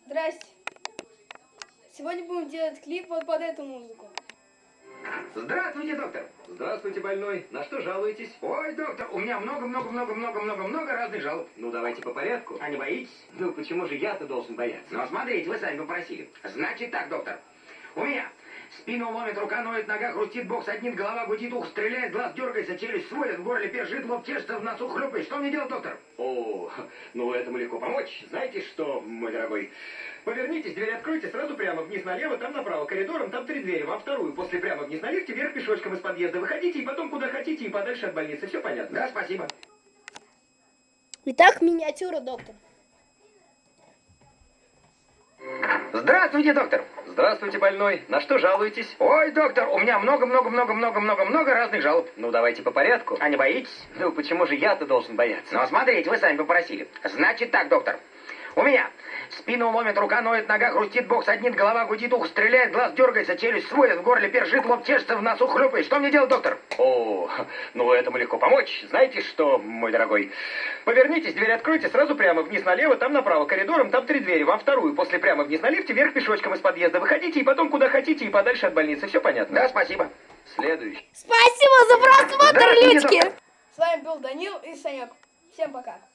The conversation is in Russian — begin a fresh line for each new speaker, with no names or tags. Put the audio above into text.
Здрасте. Сегодня будем делать клип вот под эту музыку.
Здравствуйте, доктор.
Здравствуйте, больной. На что жалуетесь?
Ой, доктор, у меня много разных жалоб.
Ну, давайте по порядку.
А не боитесь?
Ну, почему же я-то должен бояться?
Ну, смотрите, вы сами попросили. Значит так, доктор. У меня спину ломит, рука ноет, нога хрустит, бок саднит, голова гудит, ухо стреляет, глаз дергается, челюсть сводит, в горле першит, лоб чешется, в носу хлюпает. Что мне делать, доктор?
О, ну этому легко помочь. Знаете что, мой дорогой? Повернитесь, дверь откройте, сразу прямо вниз налево, там направо, коридором, там 3 двери, во вторую, после прямо вниз на лифте, вверх пешочком из подъезда. Выходите и потом куда хотите, и подальше от больницы. Все понятно?
Да, спасибо.
Итак, миниатюра, доктор.
Здравствуйте, доктор.
Здравствуйте, больной. На что жалуетесь?
Ой, доктор, у меня много разных жалоб.
Ну, давайте по порядку.
А не боитесь?
Ну, почему же я-то должен бояться?
Ну, смотрите, вы сами попросили. Значит так, доктор. У меня спину ломит, рука ноет, нога хрустит, бок саднит, голова гудит, ухо стреляет, глаз дергается, челюсть сводит, в горле першит, лоб чешется, в носу хлюпает. Что мне делать, доктор?
О, ну этому легко помочь. Знаете что, мой дорогой? Повернитесь, дверь откройте, сразу прямо вниз налево, там направо, коридором, там 3 двери, во вторую, после прямо вниз на лифте, вверх пешочком из подъезда. Выходите и потом куда хотите, и подальше от больницы. Все понятно?
Да, спасибо.
Следующий.
Спасибо за просмотр,
Здравствуйте,
людки!
доктор.
С вами был Данил и Санек. Всем пока.